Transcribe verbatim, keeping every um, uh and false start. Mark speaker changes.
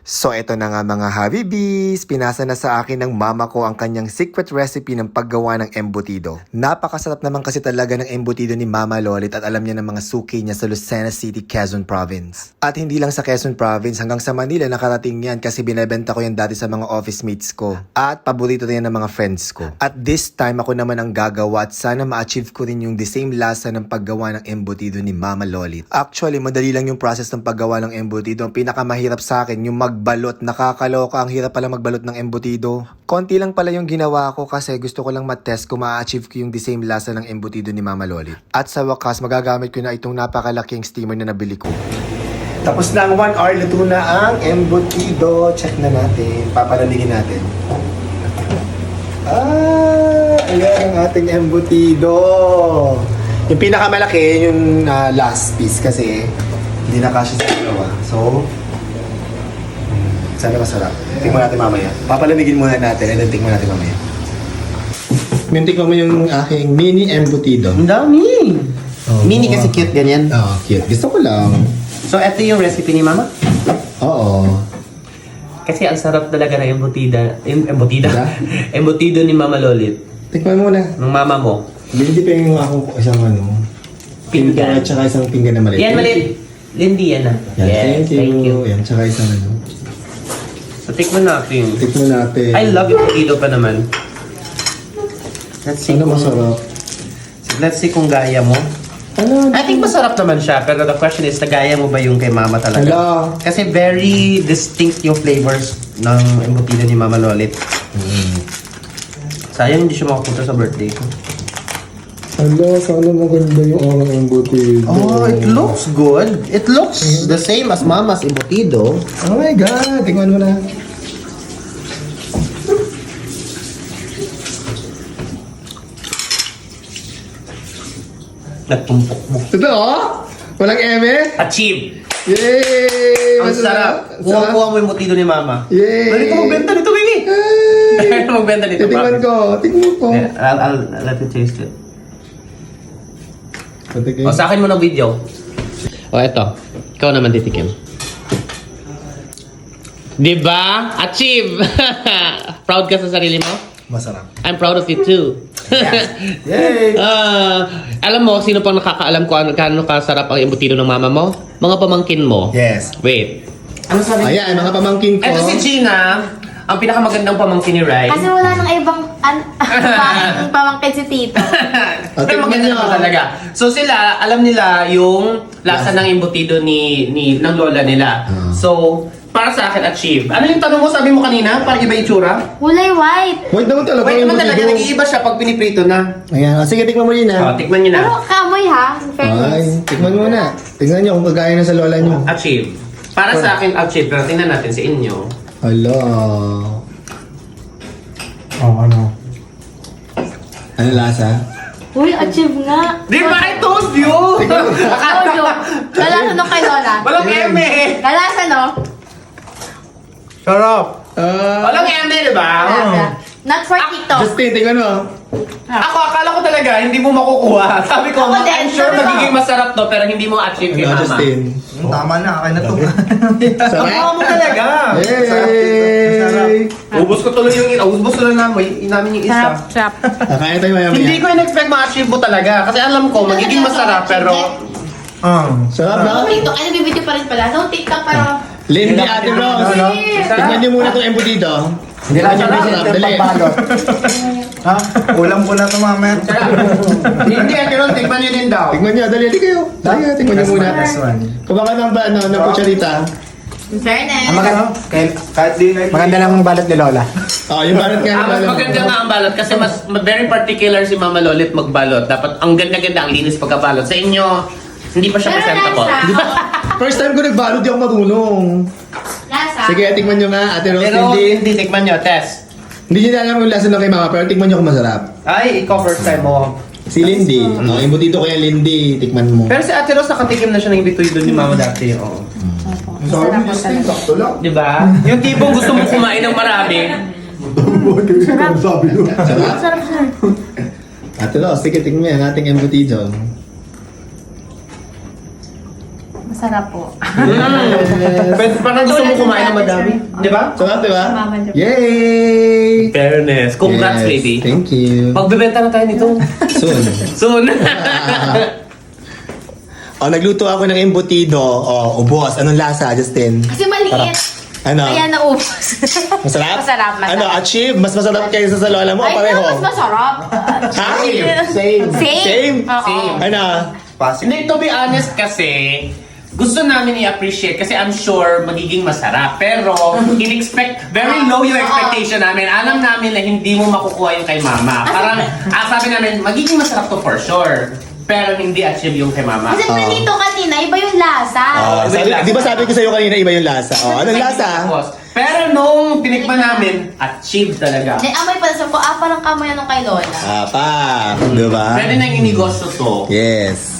Speaker 1: So eto na nga mga Habibis, pinasa na sa akin ng mama ko ang kanyang secret recipe ng paggawa ng embutido. Napakasarap naman kasi talaga ng embutido ni Mama Lolit at alam niya ng mga suki niya sa Lucena City, Quezon Province. At hindi lang sa Quezon Province, hanggang sa Manila nakarating yan kasi binebenta ko yan dati sa mga office mates ko. At paborito na yan ng mga friends ko. At this time ako naman ang gagawa at sana ma-achieve ko rin yung the same lasa ng paggawa ng embutido ni Mama Lolit. Actually, madali lang yung process ng paggawa ng embutido. Ang pinakamahirap sa akin, yung mag balot, nakakaloka, ang hirap pala magbalot ng embutido. Konti lang pala yung ginawa ko kasi gusto ko lang matest kung ma-achieve ko yung the same lasa ng embutido ni Mama Lolit. At sa wakas, magagamit ko na itong napakalaking steamer na nabili ko. Tapos na ang one hour, luto na ang embutido. Check na natin, papalaligin natin. Ah, ayan ang ating embutido. Yung pinakamalaki, yung uh, last piece kasi hindi na kasya sa dalawa. So, sana masarap. Tingnan natin mamaya. Papalamigin muna natin and then tingnan natin mamaya. Yung tingnan mo yung aking mini embutido.
Speaker 2: Ang dami!
Speaker 1: Oh,
Speaker 2: Mini
Speaker 1: wow.
Speaker 2: kasi cute ganyan.
Speaker 1: Oo, oh, cute. Gusto ko lang.
Speaker 2: So, ito yung recipe ni Mama?
Speaker 1: Oo.
Speaker 2: Kasi ang sarap talaga ng embutida. Em, embutida?
Speaker 1: Diba?
Speaker 2: Embutido ni Mama Lolit.
Speaker 1: Tingnan mo na.
Speaker 2: Ng mama mo.
Speaker 1: Hindi pa yung akong isang ano.
Speaker 2: Pinggan.
Speaker 1: At saka isang pinggan na maliit.
Speaker 2: Yan, maliit. Lindy, yan na.
Speaker 1: Yan,
Speaker 2: Yes,
Speaker 1: thank you. Yan, saka isang ano.
Speaker 2: So, tikman natin.
Speaker 1: Tikman natin.
Speaker 2: I love embutido pa naman. Let's see
Speaker 1: Ano
Speaker 2: kung...
Speaker 1: masarap?
Speaker 2: Let's see kung gaya mo.
Speaker 1: Ano?
Speaker 2: I think masarap naman siya, pero the question is, nagaya mo ba yung kay Mama talaga?
Speaker 1: Hala.
Speaker 2: Kasi very distinct yung flavors ng embutido ni Mama Lolit.
Speaker 1: Mm.
Speaker 2: Sayang hindi siya makapunta sa birthday ko.
Speaker 1: Hala, sana maganda yung orang embutido.
Speaker 2: Oh, it looks good. It looks the same as Mama's embutido.
Speaker 1: Oh my God! Tingnan mo na.
Speaker 2: Nagtumpok mo.
Speaker 1: Totoo? Walang eme?
Speaker 2: Achieve!
Speaker 1: Yay!
Speaker 2: Ang sarap. Kuha-kuha mo yung embutido ni Mama.
Speaker 1: Yay!
Speaker 2: Dali ka magbenta nito, baby!
Speaker 1: Ay!
Speaker 2: Dali ka magbenta nito,
Speaker 1: Titingnan ko. Tingnan ko.
Speaker 2: Yeah, I'll, I'll, I'll let you taste it.
Speaker 1: Patigay.
Speaker 2: O, sa akin mo ng video. O, eto. Ikaw naman titikim. Diba? Achieve! Proud ka sa sarili mo?
Speaker 1: Masarap.
Speaker 2: I'm proud of you too.
Speaker 1: Yay!
Speaker 2: Ah, alam mo, sino pang nakakaalam kung ano, kano kasarap ang embutido ng mama mo? Mga pamangkin mo.
Speaker 1: Yes.
Speaker 2: Wait. Ano sabi?
Speaker 1: Ayan, mga pamangkin ko.
Speaker 2: Ito si Gina, ang pinakamagandang pamangkin ni Rai.
Speaker 3: Kasi wala nang ibang an- pamang- pamangkin si Tito.
Speaker 2: Pero maganda naman talaga. So sila, alam nila yung lasa ng embutido ni, ni ng lola nila.
Speaker 1: Ah.
Speaker 2: So, para sa akin, achieve. Ano yung tanong mo? Sabi mo kanina? Para iba yung tsura?
Speaker 3: Kulay white.
Speaker 1: Wait naman talaga.
Speaker 2: Wait
Speaker 1: yung
Speaker 2: naman talaga,
Speaker 1: embutido.
Speaker 2: nag-iiba siya pag piniprito na.
Speaker 1: Ayan, sige, tikman mo yun
Speaker 2: O,
Speaker 1: ah.
Speaker 2: tikman nyo na.
Speaker 3: Pero kamoy ha, in
Speaker 1: Ay,
Speaker 3: fairness.
Speaker 1: tikman mo na. Tingnan nyo kung kagaya na sa lola nyo.
Speaker 2: Achieve. Para sa akin, achieve. Pero tingnan natin sa inyo.
Speaker 1: Hala. Oh, ano? Ano lasa?
Speaker 3: Uy, achieve nga.
Speaker 2: Di ba? I told you!
Speaker 3: Audio. Galasa no kay Lola.
Speaker 2: Walang eme!
Speaker 3: Galasa no?
Speaker 2: Sarap!
Speaker 1: Ah,
Speaker 2: Walang eme, di ba?
Speaker 3: Galasa. Not for Tito.
Speaker 1: Justin, tingnan mo.
Speaker 2: Ako, akala ko talaga, hindi mo makukuha. Sabi ko,
Speaker 3: Ako din,
Speaker 2: I'm sure
Speaker 3: sabi ko.
Speaker 2: magiging masarap to, pero hindi mo achieve kay
Speaker 1: Ano,
Speaker 2: mama.
Speaker 1: Justin?
Speaker 4: Tama na, akin na to.
Speaker 2: Ang mukha mo talaga.
Speaker 1: Yay!
Speaker 2: Ubus ko tuloy yung ina. Ubus ko lang namin, namin yung isa.
Speaker 3: Trap, trap.
Speaker 1: Kakain tayo maya
Speaker 2: Hindi ko
Speaker 1: maya.
Speaker 2: in-expect ma-achieve mo talaga. Kasi alam ko, magiging masarap, pero...
Speaker 4: Ah.
Speaker 1: Sarap na?
Speaker 3: Tito, ano bibidyo pa rin pala? No, TikTok pero...
Speaker 1: Lindy Ate Rose.
Speaker 4: Ano?
Speaker 1: Tingnan niyo muna itong embutido.
Speaker 4: Hindi
Speaker 1: Tingnan
Speaker 4: lang
Speaker 1: niyo
Speaker 4: siya
Speaker 1: masarap.
Speaker 4: yung
Speaker 1: Dali.
Speaker 4: pagbalot. Ha? Ulam ko na to mamaya.
Speaker 2: Hindi, Ate tikman nyo din daw.
Speaker 1: Tingnan niyo, dali, dali kayo. Dali, tingnan niyo
Speaker 4: Last
Speaker 1: muna.
Speaker 4: one, last one.
Speaker 1: Kumaka ng ba, ano, ng kutsarita.
Speaker 3: In fairness.
Speaker 4: Maganda. Kahit, kahit di na maganda lang balot ni Lola.
Speaker 1: Oh, yung barat nga.
Speaker 2: Ah, mas
Speaker 1: ng-
Speaker 2: maganda nga ang balot kasi mas very particular si Mama Lolit magbalot. Dapat ang ganda-ganda, ang linis pagkabalot. Sa inyo, hindi pa siya
Speaker 3: Pero
Speaker 2: presentable.
Speaker 3: lasa.
Speaker 1: First time ko nagbalot, di ako marunong.
Speaker 3: Lasa.
Speaker 1: Sige, tikman niyo nga, Ate Rose,
Speaker 2: Pero
Speaker 1: Lindy.
Speaker 2: hindi, tikman nyo, test.
Speaker 1: Hindi niyo alam yung lasa ng kay mama, pero tikman niyo kung masarap.
Speaker 2: Ay, ikaw first time mo.
Speaker 1: Si Lindy. Oh, embutido ko yan, Lindy. Tikman mo.
Speaker 2: Pero si Ate Rose, nakatikim na siya ng ibituin doon ni Mama dati. Oo.
Speaker 3: Masarap po talaga.
Speaker 4: sakto lang.
Speaker 2: Di ba? Yung tipong gusto mong kumain ng marami.
Speaker 1: Sarap?
Speaker 3: Masarap siya.
Speaker 1: Ate Rose, sige, tikman yan, ating embutido.
Speaker 3: Masarap po.
Speaker 2: Pwede, parang gusto mo kumain ng madami. Di ba?
Speaker 1: Sarap, di ba?
Speaker 3: Mama niya.
Speaker 1: Yay!
Speaker 2: Fairness. Congrats,
Speaker 1: Yes,
Speaker 2: baby.
Speaker 1: Thank you.
Speaker 2: Pagbebenta na tayo nito.
Speaker 1: Soon.
Speaker 2: Soon.
Speaker 1: Oh, nagluto ako ng embutido. Oh, ubos. Anong lasa, Justin?
Speaker 3: Kasi maliit.
Speaker 1: Ano?
Speaker 3: Kaya naubos.
Speaker 1: Masarap?
Speaker 3: Masarap, masarap.
Speaker 1: Ano, achieve? Mas masarap kaysa sa lola mo o
Speaker 3: Ay,
Speaker 1: pareho?
Speaker 3: no, mas masarap.
Speaker 1: Ha?
Speaker 4: Same.
Speaker 3: Same?
Speaker 1: Same?
Speaker 3: Oo.
Speaker 2: Same.
Speaker 1: Ano?
Speaker 4: Pasig.
Speaker 2: Hindi, to be honest kasi, gusto namin i-appreciate kasi I'm sure magiging masarap. Pero, in-expect, very low yung expectation namin. Alam namin na hindi mo makukuha yung kay mama. Parang, ah, sabi namin, magiging masarap to for sure. Pero hindi achieve yung kay mama.
Speaker 3: Kasi
Speaker 1: Oo.
Speaker 3: dito kanina, iba yung lasa.
Speaker 1: Oh, sabi, di ba sabi ko sa'yo kanina iba yung lasa? Oh, anong lasa?
Speaker 2: Tapos, pero nung tinikman namin, achieve talaga.
Speaker 3: May amoy pa sa ko, ah, parang kamoy nung kay Lola.
Speaker 1: Ah, pa. Di ba?
Speaker 2: Pwede nang inegosyo to.
Speaker 1: Yes.